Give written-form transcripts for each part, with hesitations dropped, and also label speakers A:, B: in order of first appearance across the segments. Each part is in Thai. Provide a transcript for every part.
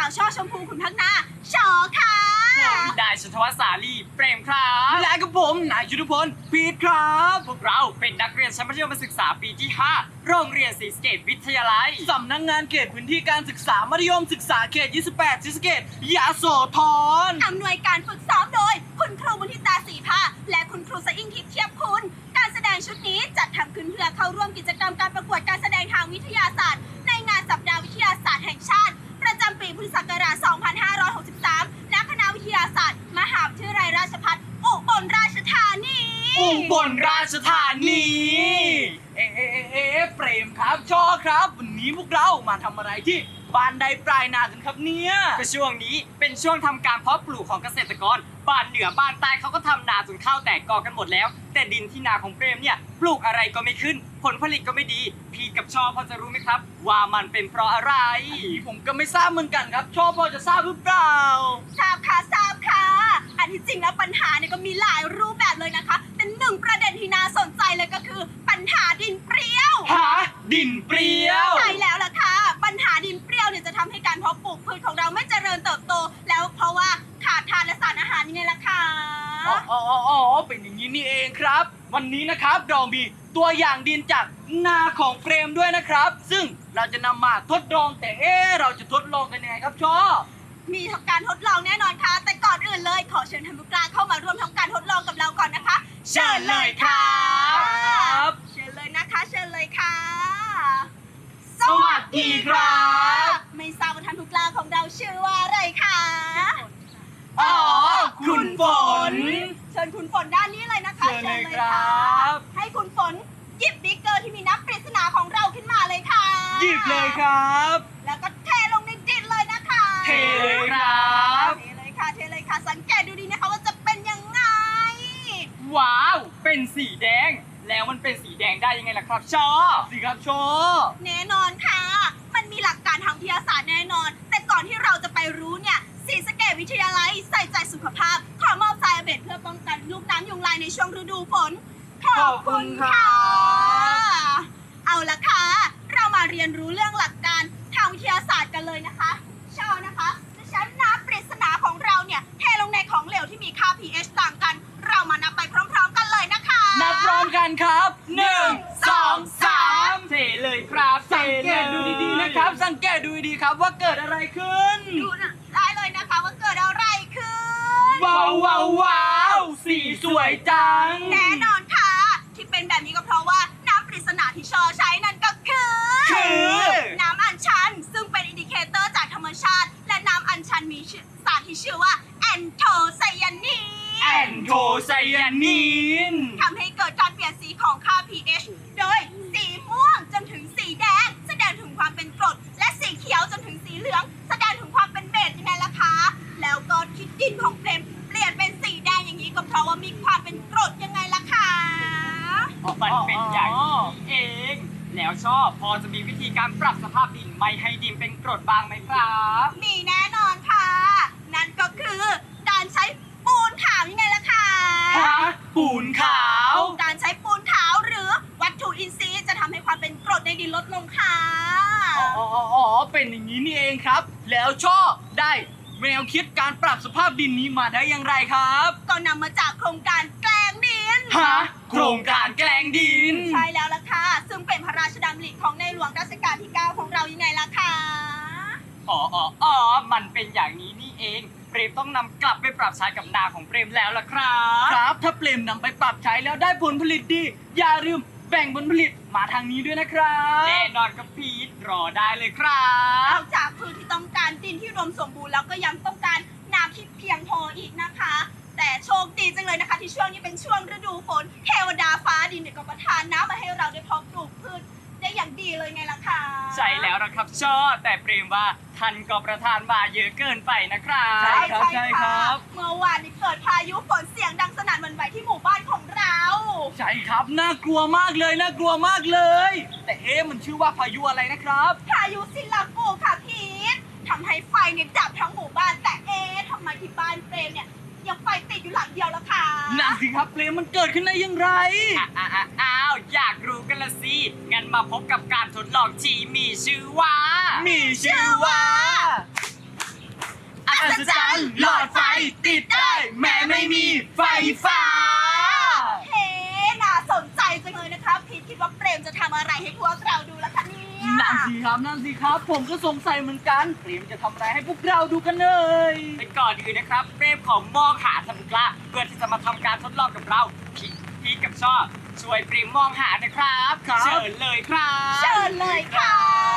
A: าวช่อชมพูขุนพักนาชอค่ะ
B: ผมนายชันทวัฒน์สาลีเปรมครับ
C: และกับผมนายยุทธพลพีทครับ
B: พวกเราเป็นนักเรียนชั้นมัธยมศึกษาปีที่ 5 โรงเรียนศรีสะเกษวิทยาลัย
C: สำนักงานเขตพื้นที่การศึกษามัธยมศึกษาเขต 28 ศรีสะเกษยโสธร
A: อำนวยการฝึกซ้อมโดย คุณครูบุญทิตาศรีภาและคุณครูสะอิ่งทิพย์เทียบคุณ การแสดงชุดนี้จัดทำขึ้นเพื่อเข้าร่วมกิจกรรมการประกวดการแสดงทางวิทยาศาสตร์ ในงานสัปดาห์วิทยาศาสตร์แห่งชาติ ประจำปีพุทธศักราช 2563 ณ คณะวิทยาศาสตร์ มหาวิทยาลัยราชภัฏอุบลราชธานี
B: อุบลราชธานี
C: เปรมครับช่อครับ วันนี้พวกเรามาทำอะไรที่บ้านใดปลายนากันครับเนี่ย
B: ก็ช่วงนี้เป็นช่วงทำการเพาะปลูกของเกษตรกรบ้านเหนือบ้านใต้เขาก็ทำนาจนข้าวแตกกอกันหมดแล้ว แต่ดินที่นาของเปรมเนี่ยปลูกอะไรก็ไม่ขึ้น ผลผลิตก็ไม่ดี พีกับชอพอจะรู้ไหมครับ ว่ามันเป็นเพราะอะไร
C: ผมก็ไม่ทราบเหมือนกันครับช่อพอจะทราบหรือเปล่า
A: ทราบค่ะทราบค่ะ อันที่จริงแล้วปัญหาเนี่ยก็มีหลายรูปแบบเลยนะคะแต่หนึ่งประเด็นที่น่าสนใจเลยก็คือปัญหาดินเปรี้ยว
C: หาดินเปรี้ยว
A: ใช่แล้วล่ะค่ะ ปัญหาดินเปรี้ยวเนี่ยจะทำให้การเพาะปลูกพืชของเราไม่เจริญเติบโต แล้วเพราะว่าขาดธาตุและสารอาหารยังไงล่ะคะ
C: เป็นอย่างนี้นี่เองครับ วันนี้นะครับเรามีตัวอย่างดินจากนาของเฟรมด้วยนะครับ ซึ่งเราจะนำมาทดลองแต่เราจะทดลองกันยังไงครับช่อ
A: มีทำการทดลองแน่นอนค่ะ แต่ก่อนอื่นเลยขอเชิญท่านผู้กล้าเข้ามาร่วมทำการทดลองกับเราก่อนนะคะ
B: เชิญเลยครับ
A: เชิญเลยนะคะเชิญเลยค่ะ
B: สวัสดีครับ
A: ไม่ทราบว่าท่านผู้กล้าของเราชื่อว่าอะไรคะ
C: อ๋อคุณฝน
A: เชิญคุณฝนด้านนี้เลยนะคะ
C: เชิญเลยครับ
A: ให้คุณฝนหยิบบิ๊กเกอร์ที่มีนับปริศนาของเราขึ้นมาเลยค่ะ
C: หยิบเลยครับ
A: แล้วก็เทลงในดินเลยนะคะ
C: เทเลยครับ
A: เทเลยค่ะเทเลยค่ะสังเกตดูดีนะคะว่าจะเป็นยังไง
B: ว้าว เป็นสีแดง แล้วมันเป็นสีแดงได้ยังไงล่ะครับชอ
C: สิครับช่อ
A: แน่นอนค่ะ มันมีหลักการทางวิทยาศาสตร์แน่นอน แต่ก่อนที่เราจะไปรู้เนี่ยศรีสะเกษวิทยาลัยใส่ใจสุขภาพ ขอมอบทรายอเบดเพื่อป้องกันลูกน้ำยุงลายในช่วงฤดูฝน ขอบคุณค่ะ เอาละค่ะ เรามาเรียนรู้เรื่องหลักการทางวิทยาศาสตร์กันเลยนะคะชอนะคะจะใช้น้ำปริศนาของเราเนี่ยเทลงในของเหลวที่มีค่า pH ต่างกัน เรามานับไปพร้อมๆกันเลยนะคะ
C: นับพร้อมกันครับ1 2 3
B: เทเลยครับ
C: สังเกตดูดีๆนะครับ สังเกตดูดีๆครับว่าเกิดอะไรขึ้น
A: ดูนะได้เลยนะคะว่าเกิดอะไรขึ้น
C: ว้าวว้าวว้าวสีสวยจัง
A: แน่นอนค่ะ ที่เป็นแบบนี้ก็เพราะว่าน้ำปริศนาที่ชอใช้นั่นก็คือ น้ำอัญชัน ซึ่งเป็นอินดิเคเตอร์จากธรรมชาติ และน้ำอัญชันมีสารที่ชื่อว่าแอนโทไซยานีน
C: แอนโทไซยานีน
A: ทำให้เกิดการเปลี่ยนสีของค่า pH โดยสีม่วงจนถึงสีแดง แสดงถึงความเป็นกรด และสีเขียวจนถึงสีเหลือง แสดงถึงความเป็นเบสยังไงล่ะคะ แล้วก็ที่ดินของเฟรมเปลี่ยนเป็นสีแดงอย่างนี้ก็เพราะว่ามีความเป็นกรดยังไงล่ะคะ
B: มันเป็นอย่างนี้เอง แล้วชอบพอจะมีวิธีการปรับสภาพดินไม่ให้ดินเป็นกรดบ้างไหมครับ
A: มีแน่นอนค่ะ นั่นก็คือการใช้ปูนขาวยังไงล่ะคะ
C: ปูนขาว
A: การใช้ปูนขาวหรือวัตถุอินทรีย์จะทำให้ความเป็นกรดในดินลดลงค่ะ
C: เป็นอย่างนี้นี่เองครับ แล้วชอบได้แนวคิดการปรับสภาพดินนี้มาได้อย่างไรครับ
A: ก็นำมาจากโครงการแกลงดิน
C: โครงการแกลงดิน
A: ใช่แล้วล่ะค่ะ ซึ่งเป็นพระราชดำริของในหลวงรัชกาลที่ 9 ของเรายังไงล่ะคะ
B: มันเป็นอย่างนี้นี่เอง เปรมต้องนำกลับไปปรับใช้กับนาของเปรมแล้วล่ะครับ
C: ครับ ถ้าเปลมนำไปปรับใช้แล้วได้ผลผลิตดี อย่าลืมแบ่งผลผลิตมาทางนี้ด้วยนะครับ
B: แน่นอนครับพีทรอได้เลยครั
A: น
B: บ
A: อกจากพืชที่ต้องการดินที่รวมสมบูรณ์แล้วก็ยังต้องการน้ำที่เพียงพออีกนะคะ แต่โชคดีจังเลยนะคะ ที่ช่วงนี้เป็นช่วงฤดูฝนเทวดาฟ้าดินเนี่ยก็ประทานน้ำมาให้เราได้เพาะปลูกพืชได้อย่างดีเลยไงล่ะคะ
B: ใช่แล้วนะครับชอแต่เปรมว่าท่านก็ประทานมาเยอะเกินไปนะครับ
C: ใช่ครับ
A: ใช่ครับ เมื่อวานนี้เกิดพายุฝนเสียงดังสนั่นหวั่นไหวที่หมู่บ้านของเรา
C: ใช่ครับ น่ากลัวมากเลย น่ากลัวมากเลย แต่มันชื่อว่าพายุอะไรนะครับ
A: พายุซิลากูค่ะพีททำให้ไฟเนี่ยดับทั้งหมู่บ้านแต่ทำไมที่บ้านเฟรมเนี่ยยังไฟติดอยู่หลังเดียวล่ะคะ
C: นั่นสิครับเปลมมันเกิดขึ้นได้อย่างไร
B: อ้าวอยากรู้กันละสิ งั้นมาพบกับการทดลองที่มีชื่อว่า
C: มีชื่อว่าอัศจรรย์หลอดไฟติดได้แม้ไม่มีไฟฟ้า
A: เฮ้น่าสนใจจังเลยนะคะพีทคิดว่าเปรมจะทำอะไรให้พวกเราดูล่ะคะเนี่ย
C: นั่นสิครับ ผมก็สงสัยเหมือนกันเตรียมจะทำอะไรให้พวกเราดูกันเลย
B: เป็นก่อนอื่นนะครับเปรมของมองหาทันบุกล้าเพื่อที่จะมาทำการทดลองกับเราพีกับชอบช่วยเปรมมองหานะครับ
C: ครับ
B: เชิญเลยครับ
A: เชิญเลยค่ะ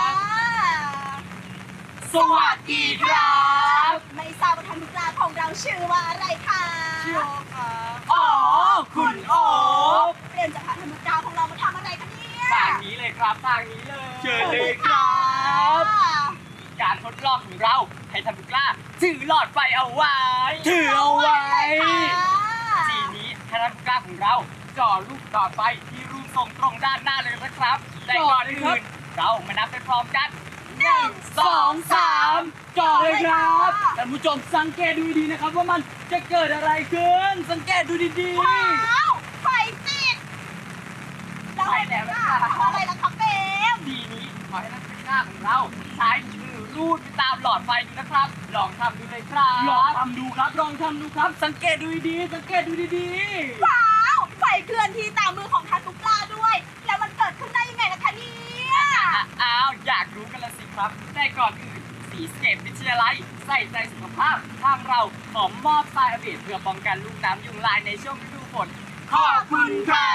C: สวัสดีครับ
A: ไม่ทราบว่าท่านผู้กล้าของเราชื่อว่าอะไรคะ
C: ชื่อโอครับอ๋อคุณโอ
A: เปรมจะพาท่านผู้กล้าของเรามาทำอะไรคะเนี่ย
B: ทางนี้เลยครับทางนี้เลย
C: เชิญเลยครับ
B: การทดลองของเราให้ทันบุกล้าถือหลอดไฟเอาไว้
C: ถือเอาไว้
B: ทีนี้ท่านผู้กล้าของเราจ่อลูกหลอดไฟที่รูปทรงตรงด้านหน้าเลยนะครับแต่ก่อนอื่นเรามานับไปพร้อมกัน
C: 2 3จ่อเลยครับท่านผู้ชมสังเกตดูดีๆนะครับว่ามันจะเกิดอะไรขึ้น สังเกตดูดี
A: ว้าวไฟติดแล้วให้แล้วทำอะไรล่ะคะเปรม
B: ทีนี้ขอให้นักศึกษาของเราใช้มือรูดไปตามหลอดไฟดูนะครับ ลองทำดูเลยครับ
C: ๆลองทำดูครับ สังเกตดูดีๆสังเกตดูดี
A: ว้าวไฟเคลื่อนที่ตามมือของท่านผู้กล้าด้วย แล้วมันเกิดขึ้นได้ยังไงล่ะคะเนี่ย
B: อ้าวอยากรู้กันละสิครับแต่ก่อนอื่นสีสเกตวิทยาลัยใส่ใจสุขภาพทางเราขอมอบทรายอเบดเพื่อป้องกันลูกน้ำยุงลายในช่วงฤดูฝนขอบคุณครับ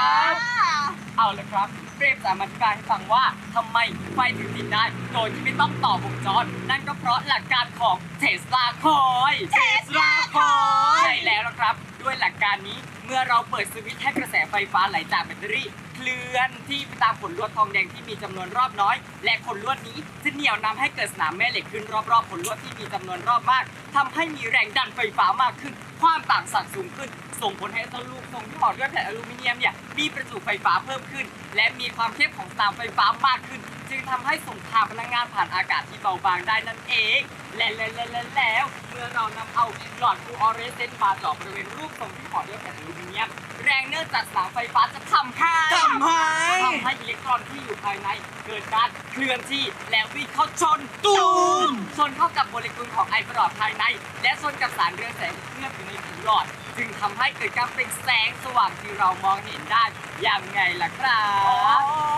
B: เอาละครับเปรมจะมาอธิบายให้ฟังว่าทำไมไฟถึงติดได้โดยที่ไม่ต้องต่อวงจร นั่นก็เพราะหลักการของเทสลาคอย
A: Tesla Coil
B: ใช่แล้วนะครับ ด้วยหลักการนี้เมื่อเราเปิดสวิตช์ให้กระแสไฟฟ้าไหลจากแบตเตอรี่เคลื่อนที่ไปตามขนลวดทองแดงที่มีจำนวนรอบน้อย และขนลวดนี้จะเหนี่ยวนำให้เกิดสนามแม่เหล็กขึ้นรอบๆขนลวดที่มีจำนวนรอบมากทำให้มีแรงดันไฟฟ้ามากขึ้น ความต่างศักย์สูงขึ้น ส่งผลให้ต้นลูกทรงที่ห่อด้วยแผ่นอลูมิเนียมเนี่ยมีประจุไฟฟ้าเพิ่มขึ้น และมีความเข้มของสนามไฟฟ้ามากขึ้น จึงทำให้ส่งผ่านพลังงานผ่านอากาศที่เบาบางได้นั่นเอง และแล้วเมื่อเรานำเอาหลอดฟลูออเรสเซนต์มาเจาะบริเวณรูปทรงที่ห่อด้วยแผ่นอลูมิเนียม แรงเนื่องจากสนามไฟฟ้าจะทำให้
C: ๆทำให้
B: อิเล็กตรอนที่อยู่ภายในเกิดการเคลื่อนที่และวิ่งเข้าชน
C: ตูม
B: ชนเข้ากับโมเลกุลของไอประหลอดภายใน และชนกับสารเรืองแสงที่เคลือบอยู่ในผิวหลอด จึงทำให้เกิดการเปล่งแสงสว่างที่เรามองเห็นได้ยังไงล่ะครั
C: อ๋อบ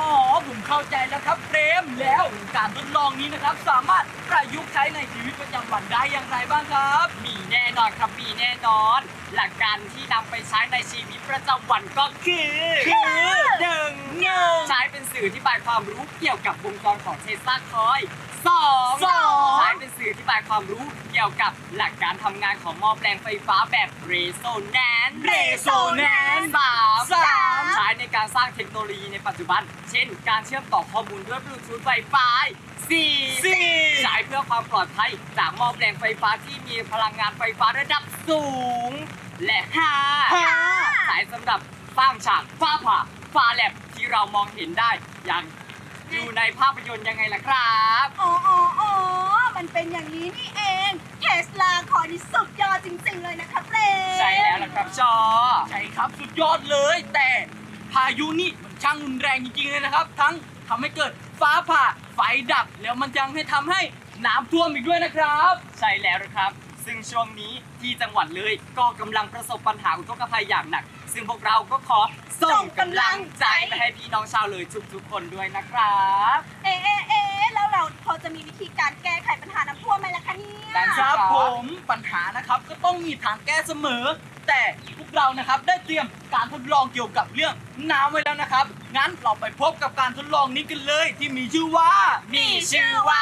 C: ผมเข้าใจแล้วครับเปรมแล้วการทดลองนี้นะครับ สามารถประยุกต์ใช้ในชีวิตประจำวันได้อย่างไรบ้างครับ
B: มีแน่นอนครับมีแน่นอน หลักการที่นำไปใช้ในชีวิตประจำวันก็คือหนึ่งใช้เป็นสื่อที่บายความรู้เกี่ยวกับวงจรของเทสลาคอยล์สอง ใช้เป็นสื่อที่บายความรู้เกี่ยวกับหลักการทำงานของหม้อแปลงไฟฟ้าแบบเรโซแนนซ์
C: Resonance
B: สามใช้ในการสร้างเทคโนโลยีในปัจจุบัน เช่น การเชื่อมต่อข้อมูลด้วยบลูทูธไวไฟสี่ ใช้เพื่อความปลอดภัยจากหม้อแปลงไฟฟ้าที่มีพลังงานไฟฟ้าระดับสูง และห้าใช้สำหรับสร้างฉากฟ้าผ่าฟ้าแลบที่เรามองเห็นได้อย่างอยู่ในภาพยนตร์ยังไงล่ะครับ
A: อ๋อ มันเป็นอย่างนี้นี่เอง เทสลาคอยนี่สุดยอดจริงๆเลยนะคะเปรม
B: ใช่แล้วล่ะครับชอ
C: ใช่ครับสุดยอดเลย แต่พายุนี่มันช่างรุนแรงจริงๆเลยนะครับ ทั้งทำให้เกิดฟ้าผ่าไฟดับ แล้วมันยังให้ทำให้น้ำท่วมอีกด้วยนะครับ
B: ใช่แล้วนะครับ ซึ่งช่วงนี้ที่จังหวัดเลยก็กำลังประสบปัญหาอุทกภัยอย่างหนัก ซึ่งพวกเราก็ขอส่งกำลังใจไปให้พี่น้องชาวเลยทุกๆคนด้วยนะครับ
A: แล้วเราพอจะมีวิธีการแก้ไขปัญหาน้ำท่วมไหมล่ะคะเนี่ย
B: ได้
C: ครับผมปัญหานะครับก็ต้องมีทางแก้เสมอ แต่พวกเรานะครับได้เตรียมการทดลองเกี่ยวกับเรื่องน้ำไว้แล้วนะครับ งั้นเราไปพบกับการทดลองนี้กันเลยที่มีชื่อว่า
B: มีชื่อว่า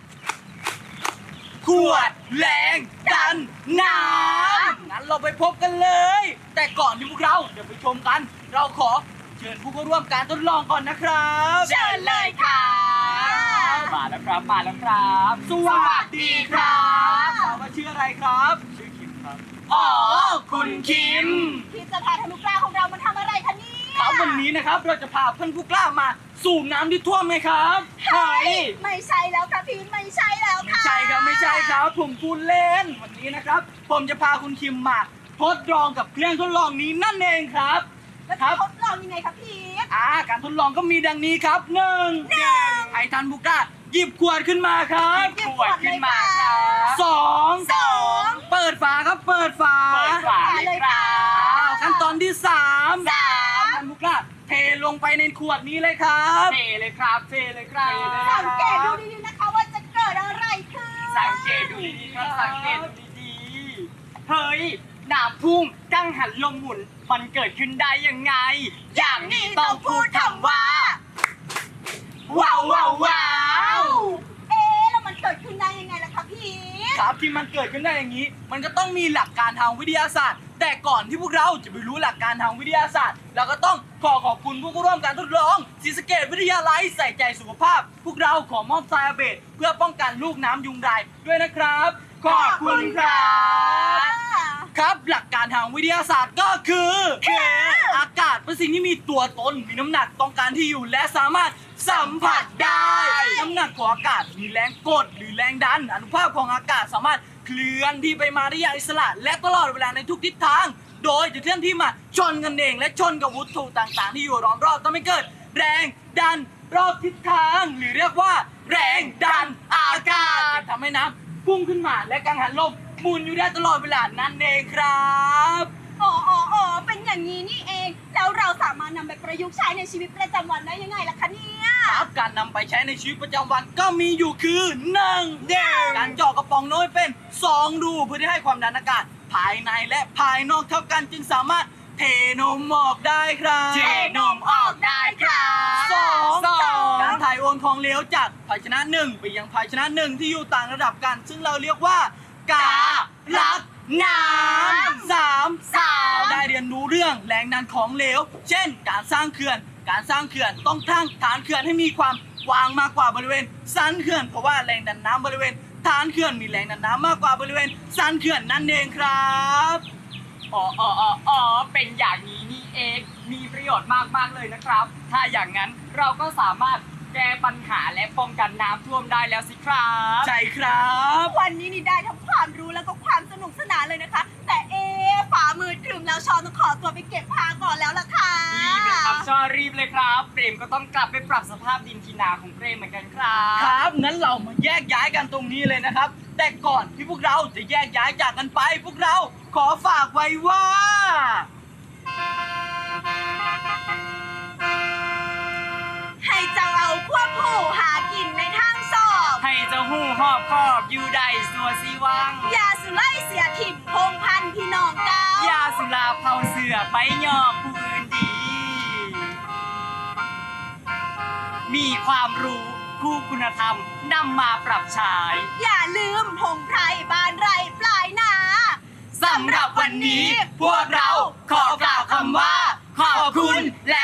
C: ขวดแรงดันน้ำงั้นเราไปพบกันเลย แต่ก่อนที่พวกเราจะไปชมกัน เราขอเชิญผู้เข้าร่วมการทดลองก่อนนะครับ
A: เชิญเลยค่ะ
B: มาแล้วครับมาแล้วครับ
C: สวัสดีครับถามว่าชื่ออะไรครับ
B: ชื่อคิมครับ
C: อ๋อคุณคิม
A: ที่จะพาท่านผู้กล้าของเรามาทำอะไรคะเนี่ย
C: ครับวันนี้นะครับเราจะพาเพื่อนผู้กล้ามาสูบน้ำที่ท่วมไหมครับ
A: เฮ้ยไม่ใช่แล้วค่ะพีทไม่ใช่แล้ว
C: ไม่
A: ค่ะ
C: ใช่ครับไม่ใช่ครับ ผมพูดเล่นวันนี้นะครับ ผมจะพาคุณคิมมาทดลองกับเครื่องทดลองนี้นั่นเองครับ
A: แล้วจะทดลองยังไงคะพีท
C: การทดลองก็มีดังนี้ครับหนึ่งให้ท่านผู้กล้าหยิบขวดขึ้นมาครับ
B: ขวดขึ้นมาครับ
C: สองในขวดนี้เลยครับ
B: เทเลยครับเทเลยครับ
A: สังเกตดูดีๆนะคะว่าจะเกิดอะไรขึ้น
B: สังเกตดูดีๆครับสังเกตดูดีๆเฮ้ยน้ำพุ่งกังหันลมหมุนมันเกิดขึ้นได้ยังไง อย่างนี้ต้องพูดคำว่า ว้าวว้าวว้าว
A: เอ๊ะแล้วมันเกิดขึ้นได้ยังไงล่ะคะพี่
C: ครับที่มันเกิดขึ้นได้อย่างนี้ มันก็ต้องมีหลักการทางวิทยาศาสตร์ แต่ก่อนที่พวกเราจะไปรู้หลักการทางวิทยาศาสตร์เราก็ต้องขอบคุณผู้ร่วมการทดลองศรีสะเกษวิทยาลัยใส่ใจสุขภาพ พวกเราขอมอบไซอาเบตเพื่อป้องกันลูกน้ำยุงลายด้วยนะครับ ขอบคุณครับ ครับหลักการทางวิทยาศาสตร์ก็คืออากาศเป็นสิ่งที่มีตัวตนมีน้ำหนักต้องการที่อยู่และสามารถสัมผัสได้ น้ำหนักของอากาศมีแรงกดหรือแรงดันอนุภาคของอากาศสามารถเคลื่อนที่ไปมาได้อย่างอิสระและตลอดเวลาในทุกทิศทาง โดยจะเคลื่อนที่มาชนกันเองและชนกับวัตถุต่างๆ ที่อยู่รอบๆทำให้เกิดแรงดันรอบทิศทาง หรือเรียกว่า แรงดันอากาศจึงทำให้น้ำพุ่งขึ้นมาและกังหันลมหมุนอยู่ได้ตลอดเวลานั่นเองครับ
A: อ๋อเป็นอย่างนี้นี่เอง แล้วเราสามารถนำไปประยุกต์ใช้ในชีวิตประจำวันได้ยังไงล่ะคะเนี่ย
C: ครับการนำไปใช้ในชีวิตประจำวันก็มีอยู่คือ1การเจาะกระป๋องน้อยเป็น2รูเพื่อที่ให้ความดันอากาศภายในและภายนอกเท่ากันจึงสามารถเทนมออกได้ครับ
B: เทนมออกได้ครับ
C: สอง
B: สอง
C: การถ่ายโอนของเหลวจากภาชนะ1ไปยังภาชนะ1ที่อยู่ต่างระดับกัน ซึ่งเราเรียกว่ากาลักน้ำเราได้เรียนรู้เรื่องแรงดันของเหลว เช่น การสร้างเขื่อนต้องตั้งฐานเขื่อนให้มีความกว้างมากกว่าบริเวณสันเขื่อนเพราะว่าแรงดันน้ำบริเวณฐานเขื่อนมีแรงดันน้ำมากกว่าบริเวณสันเขื่อนนั่นเองครับ
B: อ๋อเป็นอย่างนี้นี่เอง มีประโยชน์มากๆเลยนะครับ ถ้าอย่างนั้นเราก็สามารถแก้ปัญหาและป้องกันน้ำท่วมได้แล้วสิครับ
C: ใช่ครับ
A: วันนี้นี่ได้ทั้งความรู้แล้วก็ความสนุกสนานเลยนะคะ แต่ฝ่ามือครึมแล้วชอนต้องขอตัวไปเก็บผ้าก่อนแล้วล่ะค่ะ
B: รีบเลยครับชอรีบเลยครับ เปรมก็ต้องกลับไปปรับสภาพดินที่นาของเปรมเหมือนกันครับ
C: ครับงั้นเรามาแยกย้ายกันตรงนี้เลยนะครับ แต่ก่อนที่พวกเราจะแยกย้ายจากกันไป พวกเราขอฝากไว้ว่า
A: ให้เจ้าเอาควบผู้หากินในทางสอบ
B: ให้เจ้าหู้หอบคอบอยู่ได้สัวสีวัง
A: อย่าสุไล่เสียถิ่มพงพันธุ์พี่น้องเก้า
B: ยาสุราเผาเสือไปยอกผู้อื่นดี มีความรู้คู่คุณธรรมนำมาปรับใช้
A: อย่าลืมพงไพรบ้านไรปลายนา
B: สำหรับวันนี้พวกเราขอกล่าวคำว่า ขอบคุณและ